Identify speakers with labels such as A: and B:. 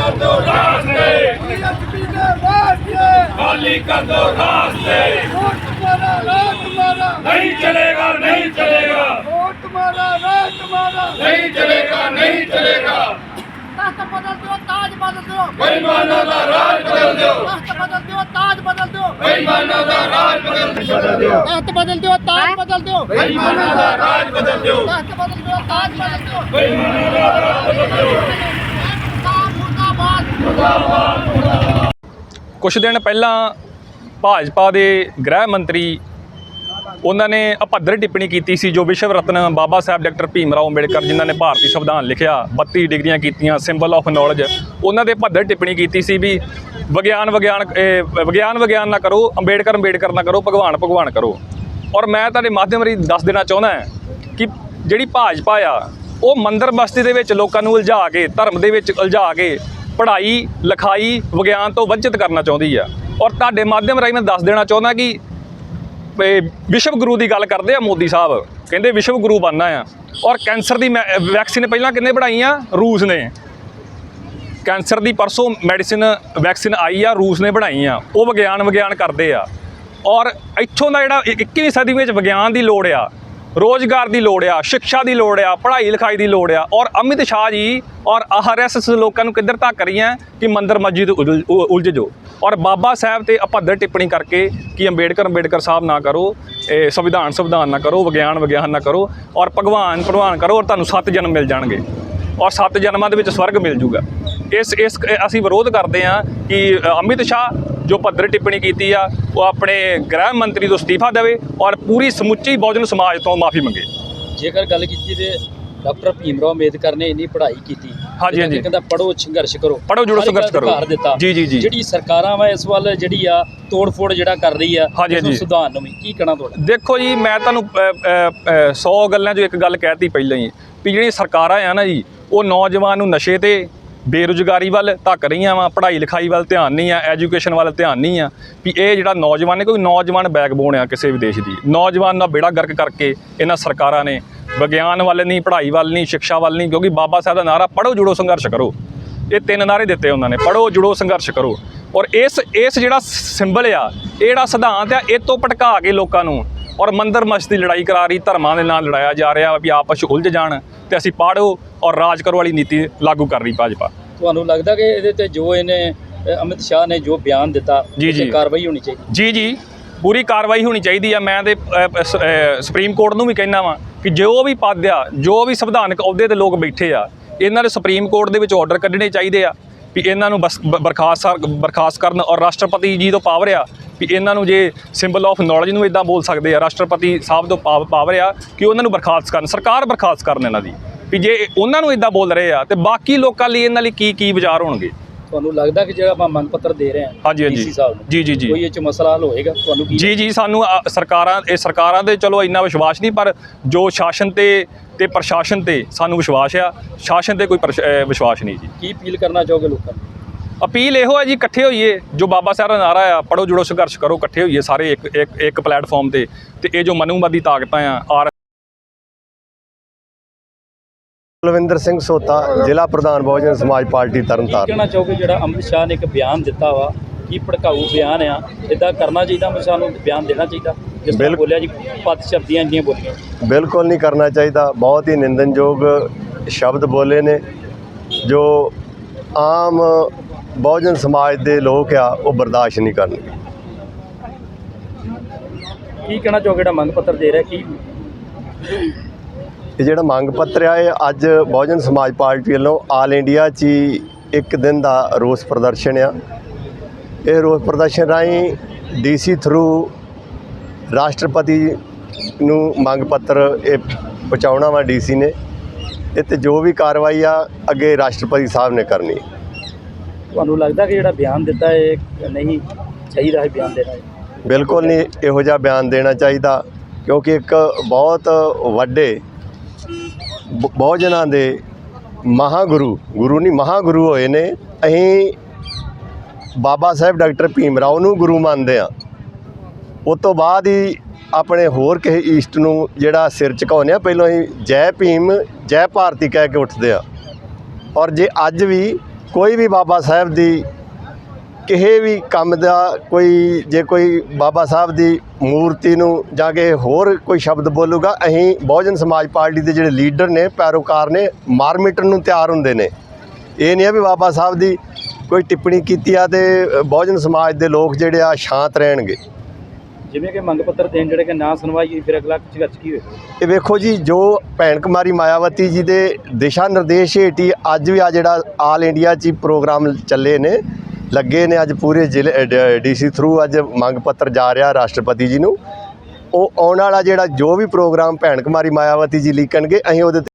A: कर दो रास्ते, खाली कर दो रास्ते। नहीं चलेगा, नहीं चलेगा, नहीं चलेगा, नहीं चलेगा।
B: बदल दो, ताज बदल दो,
A: बेईमानों का राज बदल दो,
B: बदल दो, ताज बदल दो,
A: बेईमानों का राज बदल दो,
B: बदल दो, ताज बदल दो,
A: बेईमानों का राज बदल दो,
B: बदल दो, ताज बदल दो।
A: बेईमानों का राज बदल दो।
C: ਕੁਛ ਦਿਨ ਪਹਿਲਾਂ ਭਾਜਪਾ ਦੇ ਗ੍ਰਹਿ ਮੰਤਰੀ ਉਹਨਾਂ ਨੇ ਅਭੱਦਰ ਟਿੱਪਣੀ ਕੀਤੀ ਸੀ ਜੋ ਵਿਸ਼ਵ ਰਤਨ ਬਾਬਾ ਸਾਹਿਬ ਡਾਕਟਰ ਭੀਮ ਰਾਓ ਅੰਬੇਡਕਰ ਜਿਨ੍ਹਾਂ ਨੇ ਭਾਰਤੀ ਸੰਵਿਧਾਨ ਲਿਖਿਆ 32 ਡਿਗਰੀਆਂ ਕੀਤੀਆਂ ਸਿੰਬਲ ਆਫ ਨੌਲੇਜ ਉਹਨਾਂ ਦੇ ਅਭੱਦਰ ਟਿੱਪਣੀ ਕੀਤੀ ਸੀ ਵੀ ਵਿਗਿਆਨ ਨਾ ਕਰੋ ਅੰਬੇਡਕਰ ਨਾ ਕਰੋ ਭਗਵਾਨ ਕਰੋ। ਔਰ ਮੈਂ ਤੁਹਾਡੇ ਮਾਧਿਅਮ ਰਾਹੀਂ ਦੱਸ ਦੇਣਾ ਚਾਹੁੰਦਾ ਕਿ ਜਿਹੜੀ ਭਾਜਪਾ ਆ ਉਹ ਮੰਦਰ ਬਸਤੀ ਦੇ ਵਿੱਚ ਲੋਕਾਂ ਨੂੰ ਉਲਝਾ ਕੇ ਧਰਮ ਦੇ ਵਿੱਚ ਉਲਝਾ ਕੇ ਪੜ੍ਹਾਈ ਲਿਖਾਈ ਵਿਗਿਆਨ ਤੋਂ ਵੰਚਿਤ ਕਰਨਾ ਚਾਹੁੰਦੀ ਆ। ਔਰ ਤੁਹਾਡੇ ਮਾਧਿਅਮ ਰਾਹੀਂ ਮੈਂ ਦੱਸ ਦੇਣਾ ਚਾਹੁੰਦਾ ਕਿ ਵਿਸ਼ਵ ਗੁਰੂ ਦੀ ਗੱਲ ਕਰਦੇ ਆ ਮੋਦੀ ਸਾਹਿਬ ਕਹਿੰਦੇ ਵਿਸ਼ਵ ਗੁਰੂ ਬਣਨਾ ਆ। ਔਰ ਕੈਂਸਰ ਦੀ ਵੈਕਸੀਨ ਪਹਿਲਾਂ ਕਿੰਨੇ ਬਣਾਈ ਆ? ਰੂਸ ਨੇ। ਕੈਂਸਰ ਦੀ ਪਰਸੋਂ ਵੈਕਸੀਨ ਆਈ ਆ ਰੂਸ ਨੇ ਬਣਾਈ ਆ। ਉਹ ਵਿਗਿਆਨ ਕਰਦੇ ਆ। ਔਰ ਇੱਥੋਂ ਦਾ ਜਿਹੜਾ 21ਵੀਂ ਸਦੀ ਵਿੱਚ ਵਿਗਿਆਨ ਦੀ ਲੋੜ ਆ, ਰੋਜ਼ਗਾਰ ਦੀ ਲੋੜ ਆ, ਸਿੱਖਿਆ ਦੀ ਲੋੜ ਆ, ਪੜ੍ਹਾਈ ਲਿਖਾਈ ਦੀ ਲੋੜ ਆ। ਔਰ ਅਮਿਤ ਸ਼ਾਹ ਜੀ ਔਰ RSS ਲੋਕਾਂ ਨੂੰ ਕਿੱਧਰ ਧੱਕ ਰਹੀਆਂ ਕਿ ਮੰਦਰ ਮਸਜਿਦ ਉਲਝ ਜੋ। ਔਰ ਬਾਬਾ ਸਾਹਿਬ ਤੇ ਅਭੱਦਰ ਟਿੱਪਣੀ ਕਰਕੇ ਕਿ ਅੰਬੇਡਕਰ ਸਾਹਿਬ ਨਾ ਕਰੋ, ਸੰਵਿਧਾਨ ਨਾ ਕਰੋ, ਵਿਗਿਆਨ ਨਾ ਕਰੋ, ਔਰ ਭਗਵਾਨ ਕਰੋ ਔਰ ਤੁਹਾਨੂੰ 7 ਜਨਮ ਮਿਲ ਜਾਣਗੇ ਔਰ 7 ਜਨਮਾਂ ਦੇ ਵਿੱਚ ਸਵਰਗ ਮਿਲ ਜੂਗਾ। ਇਸ ਅਸੀਂ ਵਿਰੋਧ ਕਰਦੇ ਹਾਂ ਕਿ ਅਮਿਤ ਸ਼ਾਹ ਜੋ ਅਭੱਦਰ ਟਿੱਪਣੀ ਕੀਤੀ ਆ ਉਹ ਆਪਣੇ ਗ੍ਰਹਿ ਮੰਤਰੀ ਤੋਂ ਅਸਤੀਫਾ ਦੇਵੇ ਔਰ ਪੂਰੀ ਸਮੁੱਚੀ ਬਹੁਜਨ ਸਮਾਜ ਤੋਂ ਮਾਫੀ ਮੰਗੇ।
D: ਜੇਕਰ ਗੱਲ ਕੀਤੀ ਤੇ ਡਾਕਟਰ ਭੀਮ ਰਾਓ ਅੰਬੇਦਕਰ ਨੇ ਇੰਨੀ ਪੜ੍ਹਾਈ ਕੀਤੀ,
C: ਹਾਂਜੀ
D: ਕਹਿੰਦਾ ਪੜ੍ਹੋ ਸੰਘਰਸ਼ ਕਰੋ,
C: ਪੜ੍ਹੋ ਜੁੜੋ ਸੰਘਰਸ਼ ਕਰੋ। ਜੀ
D: ਜਿਹੜੀ ਸਰਕਾਰਾਂ ਵਾ ਇਸ ਵੱਲ ਜਿਹੜੀ ਆ ਤੋੜ-ਫੋੜ ਜਿਹੜਾ ਕਰ ਰਹੀ ਆ ਸੁਧਾਰਨ ਨੂੰ ਵੀ ਕੀ ਕਹਿਣਾ ਤੁਹਾਡਾ?
C: ਦੇਖੋ ਜੀ ਮੈਂ ਤੁਹਾਨੂੰ 100 ਗੱਲਾਂ 'ਚੋਂ ਇੱਕ ਗੱਲ ਕਹਿਤੀ ਪਹਿਲਾਂ ਹੀ ਵੀ ਜਿਹੜੀਆਂ ਸਰਕਾਰਾਂ ਆ ਨਾ ਜੀ ਉਹ ਨੌਜਵਾਨ ਨੂੰ ਨਸ਼ੇ ਤੇ ਬੇਰੁਜ਼ਗਾਰੀ ਵੱਲ ਧੱਕ ਰਹੀਆਂ ਵਾ, ਪੜ੍ਹਾਈ ਲਿਖਾਈ ਵੱਲ ਧਿਆਨ ਨਹੀਂ ਆ, ਐਜੂਕੇਸ਼ਨ ਵੱਲ ਧਿਆਨ ਨਹੀਂ ਆ। ਵੀ ਇਹ ਜਿਹੜਾ ਨੌਜਵਾਨ ਨੇ ਕੋਈ ਨੌਜਵਾਨ ਬੈਕਬੋਨ ਆ ਕਿਸੇ ਵੀ ਦੇਸ਼ ਦੀ, ਨੌਜਵਾਨ ਦਾ ਬੇੜਾ ਗਰਕ ਕਰਕੇ ਇਹਨਾਂ ਸਰਕਾਰਾਂ ਨੇ ਵਿਗਿਆਨ ਵੱਲ ਨਹੀਂ, ਪੜ੍ਹਾਈ ਵੱਲ ਨਹੀਂ, ਸਿੱਖਿਆ ਵੱਲ ਨਹੀਂ। ਕਿਉਂਕਿ ਬਾਬਾ ਸਾਹਿਬ ਦਾ ਨਾਰਾ ਪੜ੍ਹੋ ਜੁੜੋ ਸੰਘਰਸ਼ ਕਰੋ, ਇਹ 3 ਨਾਅਰੇ ਦਿੱਤੇ ਉਹਨਾਂ ਨੇ, ਪੜ੍ਹੋ ਜੁੜੋ ਸੰਘਰਸ਼ ਕਰੋ। ਔਰ ਇਸ ਜਿਹੜਾ ਸਿੰਬਲ ਆ, ਇਹ ਜਿਹੜਾ ਸਿਧਾਂਤ ਆ, ਇਹ ਤੋਂ ਭਟਕਾ ਕੇ ਲੋਕਾਂ ਨੂੰ ਔਰ ਮੰਦਰ ਮਸਜਿਦ ਦੀ ਲੜਾਈ ਕਰਾ ਰਹੀ, ਧਰਮਾਂ ਦੇ ਨਾਲ ਲੜਾਇਆ ਜਾ ਰਿਹਾ ਵੀ ਆਪਸ 'ਚ ਉਲਝ ਜਾਣ ਤੇ ਅਸੀਂ ਪੜ੍ਹੋ ਔਰ ਰਾਜ ਕਰੋ ਵਾਲੀ ਨੀਤੀ ਲਾਗੂ ਕਰ ਰਹੀ ਭਾਜਪਾ।
D: ਤੁਹਾਨੂੰ ਲੱਗਦਾ ਕਿ ਇਹਦੇ ਤੇ ਜੋ ਇਹਨੇ ਅਮਿਤ ਸ਼ਾਹ ਨੇ ਜੋ ਬਿਆਨ ਦਿੱਤਾ ਜੀ ਕਾਰਵਾਈ ਹੋਣੀ ਚਾਹੀਦੀ? ਜੀ ਪੂਰੀ ਕਾਰਵਾਈ ਹੋਣੀ ਚਾਹੀਦੀ ਆ। ਮੈਂ ਤੇ ਸੁਪਰੀਮ ਕੋਰਟ ਨੂੰ ਵੀ ਕਹਿਣਾ ਵਾਂ ਕਿ ਜੋ ਵੀ ਪਦ ਆ, ਜੋ ਵੀ ਸੰਵਿਧਾਨਕ ਅਹੁਦੇ ਤੇ ਲੋਕ ਬੈਠੇ ਆ, ਇਹਨਾਂ ਦੇ ਸੁਪਰੀਮ ਕੋਰਟ ਦੇ ਵਿੱਚ ਆਰਡਰ ਕੱਢਣੇ ਚਾਹੀਦੇ ਆ ਵੀ ਇਹਨਾਂ ਨੂੰ ਬਰਖਾਸਤ ਕਰਨ। ਔਰ ਰਾਸ਼ਟਰਪਤੀ ਜੀ ਤੋਂ ਪਾਵਰ ਆ ਵੀ ਇਹਨਾਂ ਨੂੰ ਜੇ ਸਿੰਬਲ ਆਫ ਨੌਲੇਜ ਨੂੰ ਇੱਦਾਂ ਬੋਲ ਸਕਦੇ ਆ, ਰਾਸ਼ਟਰਪਤੀ ਸਾਹਿਬ ਤੋਂ ਪਾਵਰ ਆ ਕਿ ਉਹਨਾਂ ਨੂੰ ਬਰਖਾਸਤ ਕਰਨ, ਸਰਕਾਰ ਬਰਖਾਸਤ ਕਰਨ ਇਹਨਾਂ ਦੀ। ਵੀ ਜੇ ਉਹਨਾਂ ਨੂੰ ਇੱਦਾਂ ਬੋਲ ਰਹੇ ਆ ਤੇ ਬਾਕੀ ਲੋਕਾਂ ਲਈ ਇਹਨਾਂ ਲਈ ਕੀ ਵਿਚਾਰ ਹੋਣਗੇ? ਤੁਹਾਨੂੰ ਲੱਗਦਾ ਕਿ ਜਿਹੜਾ ਆਪਾਂ ਮੰਗ ਪੱਤਰ ਦੇ ਰਹੇ ਹਾਂ
C: ਹਾਂਜੀ
D: ਸਾਹਿਬ ਨੂੰ
C: ਜੀ ਕੋਈ
D: ਇਹ 'ਚ ਮਸਲਾ ਹੱਲ ਹੋਏਗਾ ਤੁਹਾਨੂੰ?
C: ਜੀ ਸਾਨੂੰ ਸਰਕਾਰਾਂ ਦੇ ਚਲੋ ਇੰਨਾ ਵਿਸ਼ਵਾਸ ਨਹੀਂ, ਪਰ ਜੋ ਸ਼ਾਸਨ ਤੇ ਪ੍ਰਸ਼ਾਸਨ ਤੇ ਸਾਨੂੰ ਵਿਸ਼ਵਾਸ ਆ, ਸ਼ਾਸਨ ਤੇ ਕੋਈ ਵਿਸ਼ਵਾਸ ਨਹੀਂ ਜੀ।
D: ਕੀ ਅਪੀਲ ਕਰਨਾ ਚਾਹੋਗੇ ਲੋਕਾਂ ਨੂੰ?
C: ਅਪੀਲ ਇਹੋ ਹੈ ਜੀ, ਇਕੱਠੇ ਹੋਈਏ, ਜੋ ਬਾਬਾ ਸਾਹਿਬ ਦਾ ਨਾਰਾ ਆ ਪੜ੍ਹੋ ਜੁੜੋ ਸੰਘਰਸ਼ ਕਰੋ, ਇਕੱਠੇ ਹੋਈਏ ਸਾਰੇ ਇੱਕ ਪਲੇਟਫਾਰਮ ਤੇ ਇਹ ਜੋ ਮਨੂਵਾਦੀ ਤਾਕਤਾਂ ਆ।
E: ਕੁਲਵਿੰਦਰ ਸਿੰਘ ਸੋਤਾ, ਜ਼ਿਲ੍ਹਾ ਪ੍ਰਧਾਨ ਬਹੁਜਨ ਸਮਾਜ ਪਾਰਟੀ ਤਰਨਤਾਰਨ।
D: ਕਹਿਣਾ ਚਾਹੋਗੇ ਜਿਹੜਾ ਅਮਿਤ ਸ਼ਾਹ ਨੇ ਇੱਕ ਬਿਆਨ ਦਿੱਤਾ ਵਾ, ਕੀ ਭੜਕਾਊ ਬਿਆਨ ਆ, ਇੱਦਾਂ ਕਰਨਾ ਚਾਹੀਦਾ? ਅਮਿਤ ਸ਼ਾਹ ਨੂੰ ਬਿਆਨ ਦੇਣਾ ਚਾਹੀਦਾ ਜਿਸ ਤਰ੍ਹਾਂ ਬੋਲਿਆ ਜੀ, ਪਦ ਸ਼ਬਦੀਆਂ ਇੰਨੀਆਂ ਬੋਲੀਆਂ?
E: ਬਿਲਕੁਲ ਨਹੀਂ ਕਰਨਾ ਚਾਹੀਦਾ। ਬਹੁਤ ਹੀ ਨਿੰਦਨਯੋਗ ਸ਼ਬਦ ਬੋਲੇ ਨੇ ਜੋ ਆਮ ਬਹੁਜਨ ਸਮਾਜ ਦੇ ਲੋਕ ਆ ਉਹ ਬਰਦਾਸ਼ਤ ਨਹੀਂ ਕਰਨਗੇ।
D: ਕੀ ਕਹਿਣਾ ਚਾਹੋਗੇ ਜਿਹੜਾ ਮੰਗ ਪੱਤਰ ਦੇ ਰਿਹਾ ਕੀ?
E: ਇਹ ਜਿਹੜਾ ਮੰਗ ਪੱਤਰ ਆ ਇਹ ਅੱਜ ਬਹੁਜਨ ਸਮਾਜ ਪਾਰਟੀ ਵੱਲੋਂ ਆਲ ਇੰਡੀਆ 'ਚ ਹੀ ਇੱਕ ਦਿਨ ਦਾ ਰੋਸ ਪ੍ਰਦਰਸ਼ਨ ਆ। ਇਹ ਰੋਸ ਪ੍ਰਦਰਸ਼ਨ ਰਾਹੀਂ DC ਥਰੂ ਰਾਸ਼ਟਰਪਤੀ ਨੂੰ ਮੰਗ ਪੱਤਰ ਇਹ ਪਹੁੰਚਾਉਣਾ ਵਾ DC ਨੇ। ਇਹ 'ਤੇ ਜੋ ਵੀ ਕਾਰਵਾਈ ਆ ਅੱਗੇ ਰਾਸ਼ਟਰਪਤੀ ਸਾਹਿਬ ਨੇ ਕਰਨੀ।
D: ਤੁਹਾਨੂੰ ਲੱਗਦਾ ਕਿ ਜਿਹੜਾ ਬਿਆਨ ਦਿੱਤਾ ਇਹ ਨਹੀਂ ਚਾਹੀਦਾ ਹੈ ਬਿਆਨ ਦੇਣਾ?
E: ਬਿਲਕੁਲ ਨਹੀਂ ਇਹੋ ਜਿਹਾ ਬਿਆਨ ਦੇਣਾ ਚਾਹੀਦਾ, ਕਿਉਂਕਿ ਇੱਕ ਬਹੁਤ ਵੱਡੇ ਬਹੁਜਨਾਂ ਦੇ ਗੁਰੂ ਨਹੀਂ ਮਹਾਂਗੁਰੂ ਹੋਏ ਨੇ। ਅਸੀਂ ਬਾਬਾ ਸਾਹਿਬ ਡਾਕਟਰ ਭੀਮ ਰਾਓ ਨੂੰ ਗੁਰੂ ਮੰਨਦੇ ਹਾਂ। ਉਸ ਤੋਂ ਬਾਅਦ ਹੀ ਆਪਣੇ ਹੋਰ ਕਿਸੇ ਈਸਟ ਨੂੰ ਜਿਹੜਾ ਸਿਰ ਝੁਕਾਉਂਦੇ ਆ, ਪਹਿਲਾਂ ਹੀ ਜੈ ਭੀਮ ਜੈ ਭਾਰਤੀ ਕਹਿ ਕੇ ਉੱਠਦੇ ਆ। ਔਰ ਜੇ ਅੱਜ ਵੀ ਕੋਈ ਵੀ ਬਾਬਾ ਸਾਹਿਬ ਦੀ ਕਿਸੇ ਵੀ ਕੰਮ ਦਾ ਜੇ ਕੋਈ ਬਾਬਾ ਸਾਹਿਬ ਦੀ ਮੂਰਤੀ ਨੂੰ ਜਾਂ ਕਿ ਹੋਰ ਕੋਈ ਸ਼ਬਦ ਬੋਲੂਗਾ, ਅਸੀਂ ਬਹੁਜਨ ਸਮਾਜ ਪਾਰਟੀ ਦੇ ਜਿਹੜੇ ਲੀਡਰ ਨੇ, ਪੈਰੋਕਾਰ ਨੇ, ਮਾਰ ਮਿਟਣ ਨੂੰ ਤਿਆਰ ਹੁੰਦੇ ਨੇ। ਇਹ ਨਹੀਂ ਆ ਵੀ ਬਾਬਾ ਸਾਹਿਬ ਦੀ ਕੋਈ ਟਿੱਪਣੀ ਕੀਤੀ ਆ ਤੇ ਬਹੁਜਨ ਸਮਾਜ ਦੇ ਲੋਕ ਜਿਹੜੇ ਆ ਸ਼ਾਂਤ ਰਹਿਣਗੇ।
D: ਜਿਵੇਂ ਕਿ ਮੰਗ ਪੱਤਰ ਦੇਣ ਜਿਹੜੇ ਕਿ ਨਾ ਸੁਣਵਾਈ, ਫਿਰ ਅਗਲਾ ਝਗਚ ਕੀ ਹੋਵੇ? ਇਹ
E: ਵੇਖੋ ਜੀ, ਜੋ ਭੈਣ ਕੁਮਾਰੀ ਮਾਇਆਵਤੀ ਜੀ ਦੇ ਦਿਸ਼ਾ ਨਿਰਦੇਸ਼ ਹੇਠ ਹੀ ਅੱਜ ਵੀ ਆ ਜਿਹੜਾ ਆਲ ਇੰਡੀਆ 'ਚ ਪ੍ਰੋਗਰਾਮ ਚੱਲੇ ਨੇ, ਲੱਗੇ ਨੇ। ਅੱਜ ਪੂਰੇ ਜ਼ਿਲ੍ਹੇ ਡੀਸੀ ਥਰੂ ਅੱਜ ਮੰਗ ਪੱਤਰ ਜਾ ਰਿਹਾ ਰਾਸ਼ਟਰਪਤੀ ਜੀ ਨੂੰ। ਉਹ ਆਉਣ ਵਾਲਾ ਜਿਹੜਾ ਜੋ ਵੀ ਪ੍ਰੋਗਰਾਮ ਭੈਣ ਕੁਮਾਰੀ ਮਾਇਆਵਤੀ ਜੀ ਲਿਖਣਗੇ, ਅਸੀਂ ਉਹਦੇ